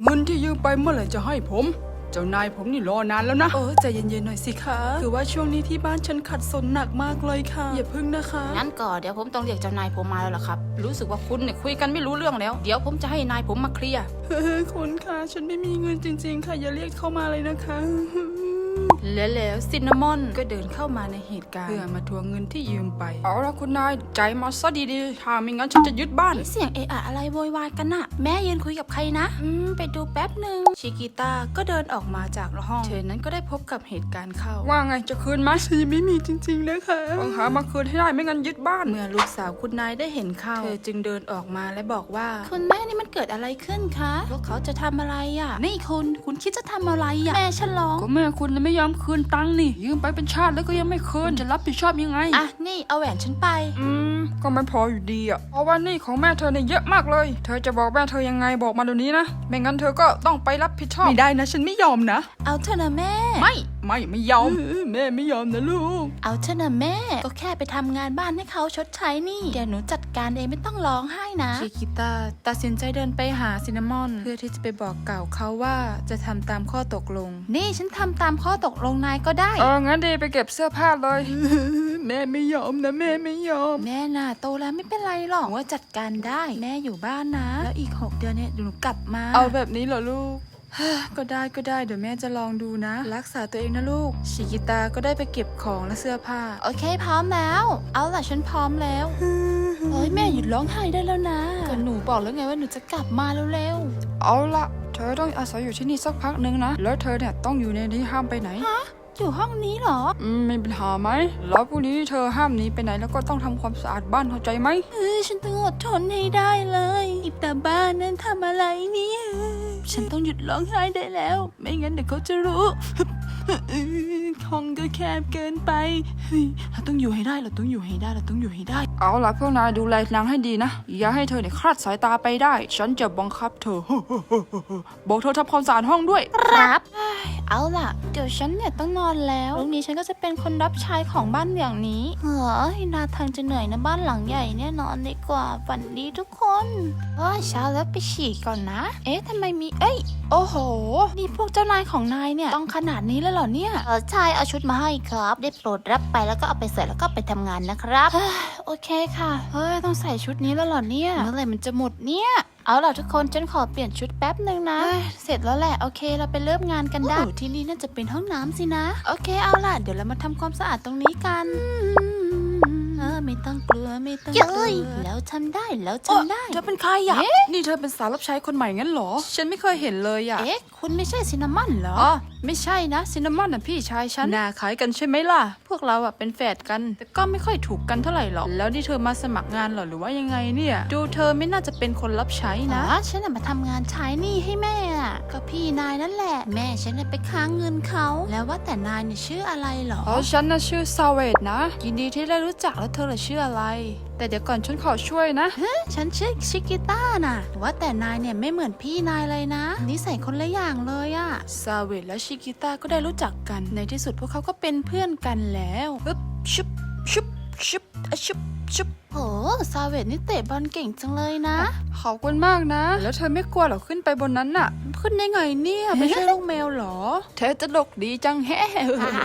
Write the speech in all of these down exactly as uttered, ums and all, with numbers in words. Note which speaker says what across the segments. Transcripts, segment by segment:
Speaker 1: เงินที่ยืมไปเมื่อไหร่จะให้ผมเจ้านายผมนี่รอนานแล้วนะ
Speaker 2: เออใจเย็นๆหน่อยสิคะคือว่าช่วงนี้ที่บ้านฉันขัดสนหนักมากเลยค่ะอย่าพึ่งนะคะ
Speaker 3: งั้นก็เดี๋ยวผมต้องเรียกเจ้านายผมมาแล้วล่ะครับรู้สึกว่าคุณเนี่ยคุยกันไม่รู้เรื่องแล้วเดี๋ยวผมจะให้นายผมมาเคลียร์
Speaker 2: เฮ้ยคุณคะฉันไม่มีเงินจริงๆค่ะอย่าเรียกเข้ามาเลยนะคะ
Speaker 3: แล้วแล้วซินนามอนก็เดินเข้ามาในเหตุการณ์
Speaker 1: เพื่อมาทวงเงินที่ยืมไปเอาละคุณนายใจมาซะดีๆถ้าไม่งั้นฉันจะยึดบ้าน
Speaker 3: เสียงเอะอะอะไรโวยวายกันน่ะแม่ยืนคุยกับใครนะอืมไปดูแป๊บหนึ่งชิกิต้าก็เดินออกมาจากห้องเธอนั้นก็ได้พบกับเหตุการณ์เข้า
Speaker 1: ว่าไงจะคืนไหม
Speaker 2: ฉันยังไม่มีจริงๆนะคะ
Speaker 1: ต้องหามาคืนให้ได้ไม่งั้นยึดบ้าน
Speaker 3: เมื่อลูกสาวคุณนายได้เห็นเข้าเธอจึงเดินออกมาและบอกว่าคุณแม่นี่มันเกิดอะไรขึ้นคะพวกเขาจะทำอะไรอ่ะนี่คุณคุณคิดจะทำอะไรอ่ะแม่ฉันร้อง
Speaker 1: ก็แม่คุณไม่ยอมคืนตังค์นี่ยืมไปเป็นชาติแล้วก็ยังไม่คืนจะรับผิดชอบยังไง
Speaker 3: อ่ะนี่เอาแหวนฉันไป
Speaker 1: อืมก็ไม่พออยู่ดีอ่ะเพราะว่านี่ของแม่เธอเนี่ยเยอะมากเลยเธอจะบอกแม่เธอยังไงบอกมาเดี๋ยวนี้นะไม่งั้นเธอก็ต้องไปรับผิดชอบ
Speaker 2: ไม่ได้นะฉันไม่ยอมนะ
Speaker 3: เอาเถอะนะแม่
Speaker 1: ไม่ไม่ไม่ยอม
Speaker 2: แม่ไม่ยอมนะลูก
Speaker 3: เอาเถอะนะแม่ก็แค่ไปทำงานบ้านให้เขาชดใช้นี่เดี๋ยวหนูจัดการเองไม่ต้องร้องไห้นะชิคิต้าตัดสินใจเดินไปหาซินนามอนเพื่อที่จะไปบอกกล่าวเขาว่าจะทำตามข้อตกลงนี่ฉันทำตามข้อตกลงนายก็ได้
Speaker 1: เอองั้นดีไปเก็บเสื้อผ้าเลย
Speaker 2: แม่ไม่ยอมนะแม่ไม่ยอม
Speaker 3: แม่น่ะโตแล้วไม่เป็นไรหรอกว่าจัดการได้แม่อยู่บ้านนะแล้วอีกหกเดือนเนี่ยหนูกลับมา
Speaker 2: เอาแบบนี้เหรอลูก
Speaker 3: ก็ได้ก็ได้เดี๋ยวแม่จะลองดูนะรักษาตัวเองนะลูกชิกิตาก็ได้ไปเก็บของและเสื้อผ้าโอเคพร้อมแล้วเอาล่ะฉันพร้อมแล้วเฮ้ยแม่หยุดร้องไห้ได้แล้วนะก็หนูบอกแล้วไงว่าหนูจะกลับมาเร็ว
Speaker 1: ๆเอาละเธอต้องอาศัยอยู่ที่นี่สักพักนึงนะแล้วเธอเนี่ยต้องอยู่ในนี้ห้ามไปไหน
Speaker 3: ฮะอยู่ห้องนี้เหรอ
Speaker 1: อืมมีปัญหาไหมแล้วพรุ่งนี้เธอห้ามหนีไปไหนแล้วก็ต้องทำความสะอาดบ้านเข้าใจไหม
Speaker 3: เออฉันต้องอดทนให้ได้เลยอิตาบ้านนั้นทำอะไรเนี่ยฉันต้องหยุดร้องไห้ได้แล้วไม่งั้นเดี๋ยวเขาจะรู้
Speaker 2: ห้องก็แคบเกินไปเฮ้ยเราต้องอยู่ให้ได้เราต้องอยู่ให้ได้เราต้องอยู่ให้ได้
Speaker 1: เอาล่ะพวกนายดูแลนางให้ดีนะอย่าให้เธอเนี่ยคลาดสายตาไปได้ฉันจะบังคับเธอบอกเธอทำความสะอาดห้องด้วย
Speaker 3: ครับเอาล่ะเดี๋ยวฉันเนี่ยต้องนอนแล้วพรุ่งนี้ฉันก็จะเป็นคนรับใช้ของบ้านอย่างนี้เฮ้ยนาทางจะเหนื่อยนะบ้านหลังใหญ่เนี่ยนอนดีกว่าฝันดีทุกคนเฮ้ยเช้าแล้วไปฉี่ก่อนนะเอ๊ะทำไมมีเอ้ยโอ้โหนี่พวกเจ้านายของนายเนี่ยต้องขนาดนี้แล้วเหรอเนี่ยเออใช่เอาชุดมาให้ครับได้โปรดรับไปแล้วก็เอาไปใส่แล้วก็ไปทำงานนะครับโอเคค่ะเฮ้ยต้องใส่ชุดนี้แล้วเหรอเนี่ยเมื่อไหร่มันจะหมดเนี่ยเอาล่ะทุกคนฉันขอเปลี่ยนชุดแป๊บหนึ่งนะเสร็จแล้วแหละโอเคเราไปเริ่มงานกันได้ที่นี่น่าจะเป็นห้องน้ำสินะโอเคเอาล่ะเดี๋ยวเรามาทำความสะอาดตรงนี้กันเออไม่ต้องกลัวไม่ต้องกลัวแล้วทำได้แล้วทำได้
Speaker 1: เธอเป็นใครอ่ะนี่เธอเป็นสาวรับใช้คนใหม่งั้นเหรอฉันไม่เคยเห็นเลยอ่ะ
Speaker 3: เอ๊ะคุณไม่ใช่ซินนามอนเหรอ
Speaker 1: อ๋อไม่ใช่นะซินนามอนน่ะพี่ชายฉันหน้าคล้ายกันใช่ไหมล่ะพวกเราอ่ะเป็นแฝดกันแต่ก็ไม่ค่อยถูกกันเท่าไหร่หรอกแล้วนี่เธอมาสมัครงานเหรอหรือว่ายังไงเนี่ยดูเธอไม่น่าจะเป็นคนรับใช้นะ
Speaker 3: ฉันน่ะมาทำงานใช้หนี้ให้แม่อ่ะก็พี่นายนั่นแหละแม่ฉันน่ะไปค้างเงินเขาแล้วว่าแต่นายเนี่ยชื่ออะไรเหรอ
Speaker 1: อ๋อฉันน่ะชื่อซาเวตนะยินดีที่ได้รู้จักแล้วเธอล่ะชื่ออะไรแต่เดี๋ยวก่อนฉันขอช่วยนะ
Speaker 3: เฮ้ฉันชื่อชิกิต้าน่ะว่าแต่นายเนี่ยไม่เหมือนพี่นายเลยนะนิสัยคนละอย่างเลยอะ
Speaker 1: ซาเวตและชิกิต้าก็ได้รู้จักกันในที่สุดพวกเขาก็เป็นเพื่อนกันแล้วอึ๊บชุบชุบชุบชุบชุบ
Speaker 3: โอ้ซาเวตนี่เตะบอลเก่งจังเลยนะ
Speaker 1: ขอบคุณมากนะแล้วเธอไม่กลัวหรอขึ้นไปบนนั้นน่ะขึ้นได้ไงเนี่ยไม่ใช่ลูกแมวหรอเธอจะดกดีจังแฮะ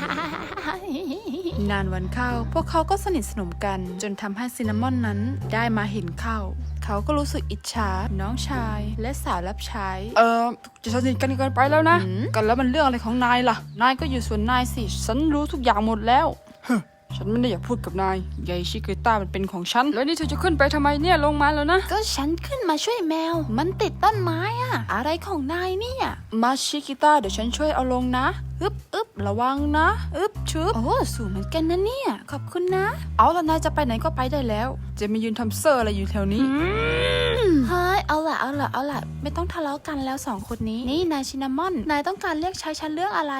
Speaker 1: นานวันเข้าพวกเขาก็สนิทสนมกันจนทำให้ซินนามอนนั้นได้มาเห็นเข้าเขาก็รู้สึกอิจฉาน้องชายและสาวรับใช้เออจะสนิทกันเกินไปแล้วนะกันแล้วมันเรื่องอะไรของนายล่ะนายก็อยู่ส่วนนายสิฉันรู้ทุกอย่างหมดแล้วฉันไม่ได้อยากพูดกับนายยายชิกิต้ามันเป็นของฉันแล้วนี่เธอจะขึ้นไปทำไมเนี่ยลงมาแล้วนะ
Speaker 3: ก็ฉันขึ้นมาช่วยแมวมันติดต้นไม้อะอะไรของนายเนี่ย
Speaker 1: มาชิกิต้าเดี๋ยวฉันช่วยเอาลงนะอึบอึบระวังนะอึบชุบ
Speaker 3: โอ้สูงเหมือนกันนะเนี่ยขอบคุณนะ
Speaker 1: เอาละนายจะไปไหนก็ไปได้แล้วจะมายืนทำเซอร์อะไรอยู่แถวนี้
Speaker 3: เฮ้ยเอาละเอาละเอาละไม่ต้องทะเลาะกันแล้วสองคนนี้นี่นายชินามอนนายต้องการเรียกใช้ฉันเรื่องอะไร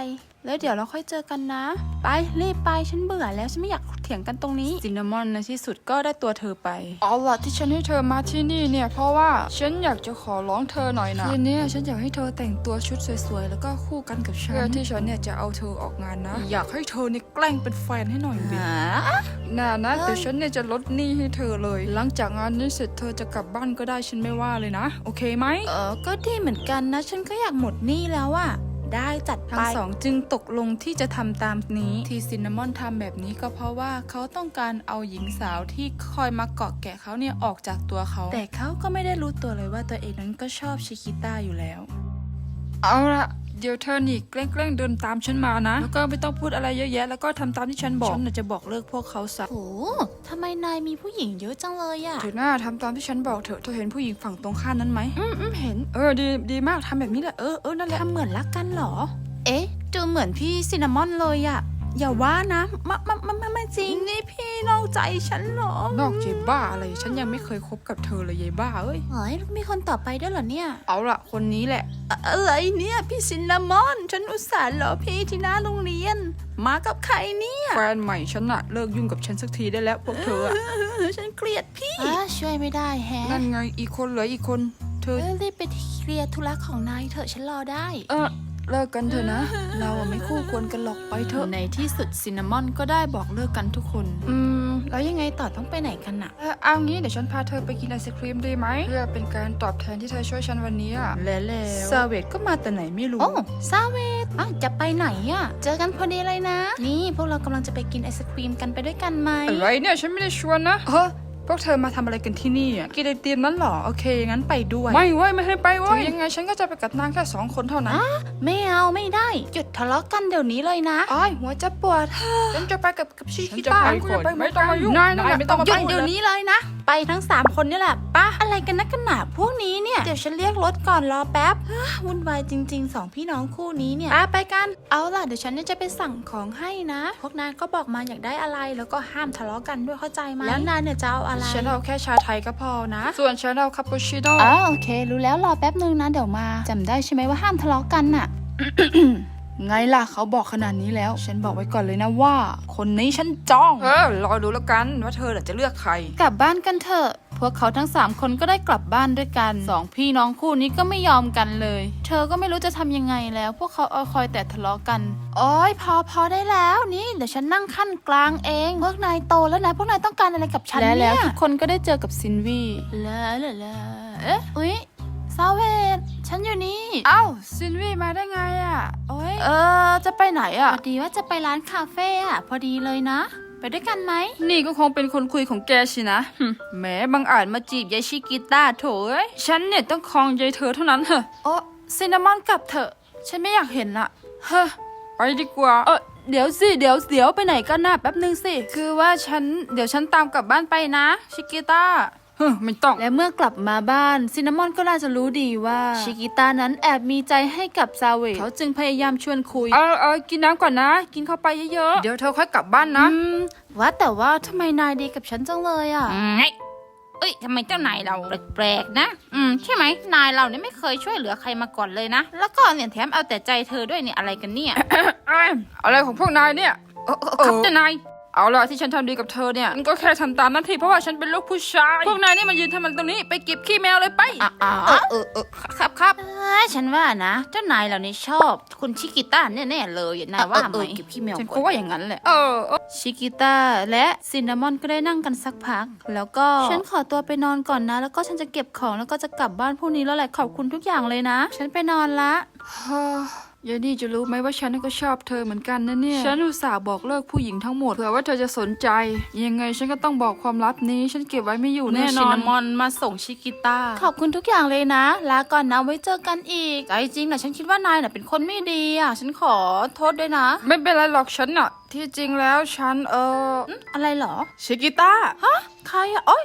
Speaker 1: แล้วเดี๋ยวเราค่อยเจอกันนะ ไปรีบไปฉันเบื่อแล้วฉันไม่อยากเถียงกันตรงนี้ซินนามอนในที่สุดก็ได้ตัวเธอไปเอาล่ะที่ฉันให้เธอมาที่นี่เนี่ยเพราะว่าฉันอยากจะขอร้องเธอหน่อยนะคืนนี้ฉันอยากให้เธอแต่งตัวชุดสวยๆแล้วก็คู่กันกับฉันเพื่อที่ฉันเนี่ยจะเอาเธอออกงานนะอยากให้เธอเนี่ยแกล้งเป็นแฟนให้หน่อยดิน่านะเดี๋ยวฉันเนี่ยจะลดหนี้ให้เธอเลยหลังจากงานนี้เสร็จเธอจะกลับบ้านก็ได้ฉันไม่ว่าเลยนะโอเคไหม
Speaker 3: เออก็ดีเหมือนกันนะฉันก็อยากหมดหนี้แล้วอะได้จัดไป
Speaker 1: ทั้งสองจึงตกลงที่จะทำตามนี้ที่ซินนามอนทำแบบนี้ก็เพราะว่าเขาต้องการเอาหญิงสาวที่คอยมาเกาะแกะเขาเนี่ยออกจากตัวเขาแต่เขาก็ไม่ได้รู้ตัวเลยว่าตัวเองนั้นก็ชอบชิคิต้าอยู่แล้วเอาละเดี๋ยวเธอนี่แกล้งๆเดินตามฉันมานะแล้วก็ไม่ต้องพูดอะไรเยอะแยะแล้วก็ทำตามที่ฉันบอกฉันน่ะจะบอกเลิกพวกเขาซะ
Speaker 3: โหทำไมนายมีผู้หญิงเยอะจังเลยอะ
Speaker 1: เธอหน้าทำตามที่ฉันบอกเถอะเธอเห็นผู้หญิงฝั่งตรงข้ามนั้นไหมอืมอืมเห็นเออดีดีมากทำแบบนี้แหละเออเออนั่นแหละ
Speaker 3: ทำเหมือนรักกันเหรอ เอ๊ะดูเหมือนพี่ซินนามอนเลยอะอย่าว่านะไม่ไม่ไม่ไม่จริงนี่พี่นอกใจฉันเหรอน
Speaker 1: อกเจ๊บ้าอะไรฉันยังไม่เคยคบกับเธอเลยยายบ้าเอ้ย
Speaker 3: เฮ้ยมีคนต่อไปด้วยเหรอเนี่ย
Speaker 1: เอาละคนนี้แหละ
Speaker 3: อะไรเนี่ยพี่ซินนามอน ฉันอุตส่าห์รอพี่ที่หน้าโรงเรียน มากับใครเนี่ย
Speaker 1: แฟนใหม่ฉันอะเลิกยุ่งกับฉันสักทีได้แล้วพวกเธออะ
Speaker 3: ฉันเกลียดพี่ช่วยไม่ได้แฮะ
Speaker 1: นั่นไงอีกคนเหลืออีกคนเธอ
Speaker 3: เอ้ยรีบไปเคลียร์ธุระของนายเถอะฉันรอได้
Speaker 1: เออเลิกกันเถอะนะ เราอะไม่คู่ควรกันหรอกไปเถอะในที่สุดซินนามอนก็ได้บอกเลิกกันทุกคน
Speaker 3: อืมแล้วยังไงต่อต้องไปไหนกันอะ
Speaker 1: เออเอางี้เดี๋ยวฉันพาเธอไปกินไอศครีมดีไหมเพื่อเป็นการตอบแทนที่เธอช่วยฉันวันนี้อะและแล้วซาเวตก็มาแต่ไหนไม่รู้
Speaker 3: โอ้ซาเวตอ่ะจะไปไหนอะเจอกันพอดีเลยนะ นี่พวกเรากำลังจะไปกินไอศครีมกันไปด้วยกันไหม
Speaker 1: อะไรเนี่ยฉันไม่ได้ชวนนะเฮ้พวกเธอมาทำอะไรกันที่นี่อ่ะกินไอติมนั้นเหรอโอเคงั้นไปด้วยไม่เว้ยไม่ให้ไปเว้ยยังไงฉันก็จะไปกับนางแค่สองคนเท่านั้น
Speaker 3: ไม่เอาไม่ได้หยุดทะเลาะกันเดี๋ยวนี้เลยนะ
Speaker 1: อ้ายหัวจะปวดฉันจะไปกับกับชิ
Speaker 2: ฉัน
Speaker 1: คิ
Speaker 2: จะ
Speaker 1: ต้า
Speaker 2: ไปก่อนไม่ต้องมายุ่ง
Speaker 1: นายนายไม่ต้องมา
Speaker 3: หยุด
Speaker 1: พู
Speaker 3: เดี๋ยว
Speaker 1: ล
Speaker 3: นี้เลยนะ ไปทั้งสามคนนี่แหละป้าอะไรกันนักกันหนาพวกนี้เนี่ยเดี๋ยวฉันเรียกรถก่อนรอแป๊บเฮ้อวุ่นวายจริงๆสองพี่น้องคู่นี้เนี่ยป้าไปกันเอาล่ะเดี๋ยวฉันเนี่ยจะไปสั่งของให้นะ พวกนายก็บอกมาอยากได้อะไรแล้วก็ห้ามทะเลาะกันด้วยเข้าใจไหมแล้วนายเนี่ยจะเอาอะไร
Speaker 1: ฉันเอาแค่ชาไทยก็พอนะ ส่วนฉันเอาคาปูชิโน่
Speaker 3: อ๋อโอเค รู้แล้วรอแป๊บนึงนะเดี๋ยวมาจำได้ใช่ไหมว่าห้ามทะเลาะกันน่ะ
Speaker 1: ไงล่ะเขาบอกขนาดนี้แล้ว ฉันบอกไว้ก่อนเลยนะว่า คนนี้ฉันจ้องเออรอดูแล้วกันว่าเธอจะเลือกใคร
Speaker 3: กลับบ้านกันเถอะพวกเขาทั้งสามคนก็ได้กลับบ้านด้วยกันสองพี่น้องคู่นี้ก็ไม่ยอมกันเลย เธอก็ไม่รู้จะทำยังไงแล้ว พวกเขาเอาคอยแต่ทะเลาะกันโอ้ยพอพอได้แล้วนี่เดี๋ยวฉันนั่งขั้นกลางเองพวกนายโตแล้วนะพวกนายต้องการอะไรกับฉัน
Speaker 1: และ
Speaker 3: เนี่ย
Speaker 1: แล้วทุกคนก็ได้เจอกับซินวี
Speaker 3: ลาลาลาเอ๊ะอุ๊ยซาเวตฉันอยู่นี่
Speaker 1: เอ้าซินวีมาได้ไงอ่ะโอ้ย
Speaker 3: เออจะไปไหนอ่ะพอดีว่าจะไปร้านคาเฟ่อ่ะพอดีเลยนะ ไปด้วยกันไหม
Speaker 1: นี่ก็คงเป็นคนคุยของแกสินะหึแหมบังอาจมาจีบยายชิกิต้าโถเอ้ยฉันเนี่ยต้องครองยายเธอเท่านั้นเหรอโอ้ซินนามอนกลับเถอะฉันไม่อยากเห็นละเฮ้อไปดีกว่าเออเดี๋ยวสิเดี๋ยวเดี๋ยวไปไหนกันนะแป๊บนึงสิคือว่าฉันเดี๋ยวฉันตามกลับบ้านไปนะชิกิต้าเฮ้อไม่ต้อง
Speaker 3: และเมื่อกลับมาบ้านซินนามอนก็น่าจะรู้ดีว่าชิกิต้านั้นแอบมีใจให้กับซาเวตเขาจึงพยายามชวนคุย
Speaker 1: เออเออกินน้ำก่อนนะ กินเข้าไปเยอะๆเดี๋ยวเธอค่อยกลับบ้านนะ
Speaker 3: อืมว่าแต่ว่าทำไมนายดีกับฉันจังเลยอ่ะ
Speaker 4: ไงเอ้ยทำไมเจ้านายเราแปลกๆนะ อืมใช่ไหมนายเราเนี่ยไม่เคยช่วยเหลือใครมาก่อนเลยนะ แล้วก็เนี่ยแถมเอาแต่ใจเธอด้วยเนี่ยอะไรกันเนี่ย
Speaker 1: เอ้ยอะไรของพวกนายเนี่ย
Speaker 4: เออเออครับเจ้านาย
Speaker 1: เอาล่ะที่ฉันทำดีกับเธอเนี่ยมันก็แค่ทำตามหน้าที่เพราะว่าฉันเป็นลูกผู้ชายพวกนายนี่มายืนทำมันตรงนี้ไปเก็บขี้แมวเลยไป
Speaker 4: อ๋อเออเออครับครับเอ้ยฉันว่านะ เจ้านายเรานี่ชอบคุณชิกิต้าแน่ๆเลยนายว่าไหมเก็บขี้แมว
Speaker 1: ฉันก็ว่าอย่างนั้นแหละเออเออ
Speaker 3: ชิกิต้าและซินนามอนก็ได้นั่งกันสักพัก แล้วก็ฉันขอตัวไปนอนก่อนนะ แล้วก็ฉันจะเก็บของแล้วก็จะกลับบ้านพรุ่งนี้แล้วแหละขอบคุณทุกอย่างเลยนะ ฉันไปนอนละ
Speaker 1: ฮ่ายายนี่จะรู้ไหมว่าฉันก็ชอบเธอเหมือนกันนะเนี่ยฉันอุตส่าห์บอกเลิกผู้หญิงทั้งหมดเผื่อว่าเธอจะสนใจยังไงฉันก็ต้องบอกความลับนี้ฉันเก็บไว้ไม่อยู่แน่น
Speaker 3: ชิ
Speaker 1: อน
Speaker 3: นามอนมาส่งชิกิต้าขอบคุณทุกอย่างเลยนะลาก่อนนะไว้เจอกันอีกใจจริงนะฉันคิดว่านายน่ะเป็นคนไม่ดีอ่ะฉันขอโทษด้วยนะ
Speaker 1: ไม่เป็นไรหรอกฉันอะที่จริงแล้วฉันเออ
Speaker 3: อะไรเหรอ
Speaker 1: ชิกิต้า
Speaker 3: ฮะใครอ่ะโอ๊ย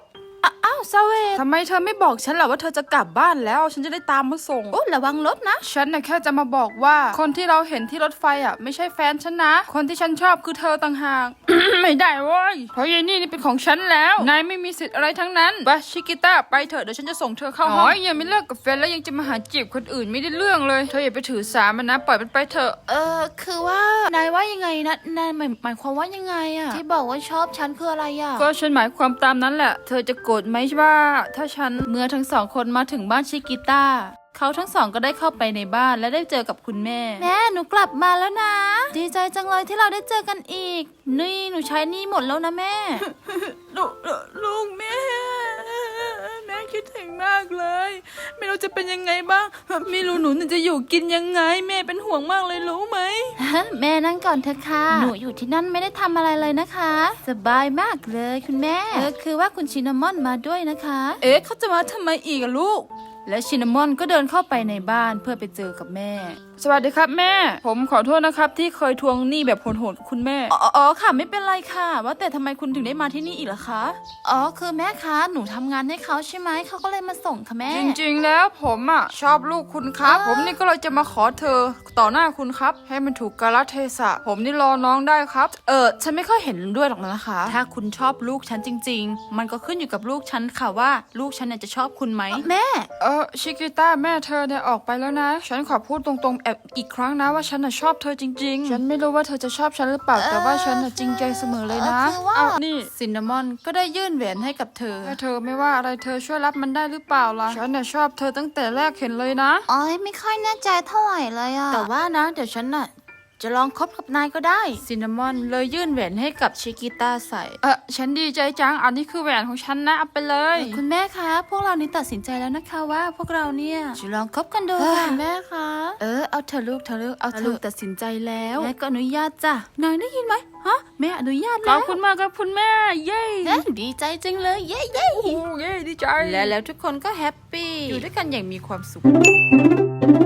Speaker 3: อ้าวซาเวต
Speaker 1: ทำไมเธอไม่บอกฉันล่ะว่าเธอจะกลับบ้านแล้วฉันจะได้ตามมาส่ง
Speaker 3: โอ้ระวังรถนะ
Speaker 1: ฉันน่ะแค่จะมาบอกว่าคนที่เราเห็นที่รถไฟอ่ะไม่ใช่แฟนฉันนะ คนที่ฉันชอบคือเธอต่างหาก ไม่ได้เว้ยเพราะยายนี่นี่เป็นของฉันแล้วนายไม่มีสิทธิ์อะไรทั้งนั้นไปชิกิต้าไปเถอะเดี๋ยวฉันจะส่งเธอเข้าห้องยังไม่เลิกกับแฟนแล้วยังจะมาหาจีบคนอื่นไม่ได้เรื่องเลยเธออย่าไปถือสามันนะปล่อยมันไปเถอะ
Speaker 3: เออคือว่านายว่ายังไงนะนายหมายหมายความว่ายังไงอะที่บอกว่าชอบฉันคืออะไรอะ
Speaker 1: ก็ฉันหมายความตามนั้นแหละ เธอจะโกรธไหมว่าถ้าฉัน
Speaker 3: เมื่อทั้งสองคนมาถึงบ้านชิกิต้าเขาทั้งสองก็ได้เข้าไปในบ้านและได้เจอกับคุณแม่ แม่หนูกลับมาแล้วนะ ดีใจจังเลยที่เราได้เจอกันอีกนี่หนูใช้หนี่หมดแล้วนะแม่
Speaker 2: ลูกลูกแม่แม่คิดถึงมากเลย ไม่รู้จะเป็นยังไงบ้างไม่รู้หนูจะอยู่กินยังไง แม่เป็นห่วงมากเลยรู้ไหม
Speaker 3: แม่นั่งก่อนเถอะค่ะหนูอยู่ที่นั่นไม่ได้ทำอะไรเลยนะคะ สบายมากเลยคุณแม่เออคือว่าคุณชินามอนมาด้วยนะคะ
Speaker 2: เอ๊ะเขาจะมาทำไมอีกอะลูก
Speaker 3: และชินามอนก็เดินเข้าไปในบ้านเพื่อไปเจอกับแม่
Speaker 1: สวัสดีครับแม่ ผมขอโทษนะครับที่เคยทวงหนี้แบบโหดๆกับคุณแม่
Speaker 3: อ๋ออ๋อค่ะไม่เป็นไรค่ะ ว่าแต่ทำไมคุณถึงได้มาที่นี่อีกล่ะคะ อ๋อคือแม่คะหนูทำงานให้เขาใช่ไหมเขาก็เลยมาส่งค่ะแม่
Speaker 1: จริงๆแล้วผมอ่ะชอบลูกคุณครับ ผมนี่ก็เลยจะมาขอเธอต่อหน้าคุณครับ ให้มันถูกกาลเทศะ ผมนี่รอน้องได้ครับ
Speaker 3: เออฉันไม่ค่อยเห็นด้วยหรอกนะคะ ถ้าคุณชอบลูกฉันจริง ๆ มันก็ขึ้นอยู่กับลูกฉันค่ะว่าลูกฉันเนี่ยจะชอบคุณไหมแม่
Speaker 1: เออชิกิต้าแม่เธอเนี่ยออกไปแล้วนะ ฉันขอพูดตรงๆแอบอีกครั้งนะว่าฉันน่ะชอบเธอจริงๆ ฉันไม่รู้ว่าเธอจะชอบฉันหรือเปล่าแต่ว่าฉันน่ะจริงใจเสมอเลยนะ
Speaker 3: เออคือว่า
Speaker 1: เอานี่
Speaker 3: ซินนามอนก็ได้ยื่นแหวนให้กับเธอ
Speaker 1: ถ้าเธอไม่ว่าอะไรเธอช่วยรับมันได้หรือเปล่าล่ะ ฉันน่ะชอบเธอตั้งแต่แรกเห็นเลยนะ
Speaker 3: อ๋อยไม่ค่อยแน่ใจเท่าไหร่เลยอะแต่ว่านะ เดี๋ยวฉันน่ะจะลองคบกับนายก็ได้ซินนามอนเลยยื่นแหวนให้กับชิกิต้าใส่
Speaker 1: เออฉันดีใจจัง อันนี้คือแหวนของฉันนะเอาไปเลย
Speaker 3: คุณแม่คะ พวกเรานี่ตัดสินใจแล้วนะคะว่าพวกเราเนี่ยจะลองคบกันดูค่ะแม่คะเออเอาเธอะลูกเธอะลูกเอาเธอตัดสินใจแล้วแม่ก็อนุญาตจ้ะนายได้ยินไหมฮะแม่อนุญาต
Speaker 1: ข
Speaker 3: แล้
Speaker 1: อบ
Speaker 3: ว
Speaker 1: คุณมากครับคุณแม่ เย้
Speaker 3: เอ๊ะดีใจจังเลยเย้เย้
Speaker 1: โอ้เย้ดีใจ
Speaker 3: และแล้วทุกคนก็แฮปปี้อยู่ด้วยกันอย่างมีความสุข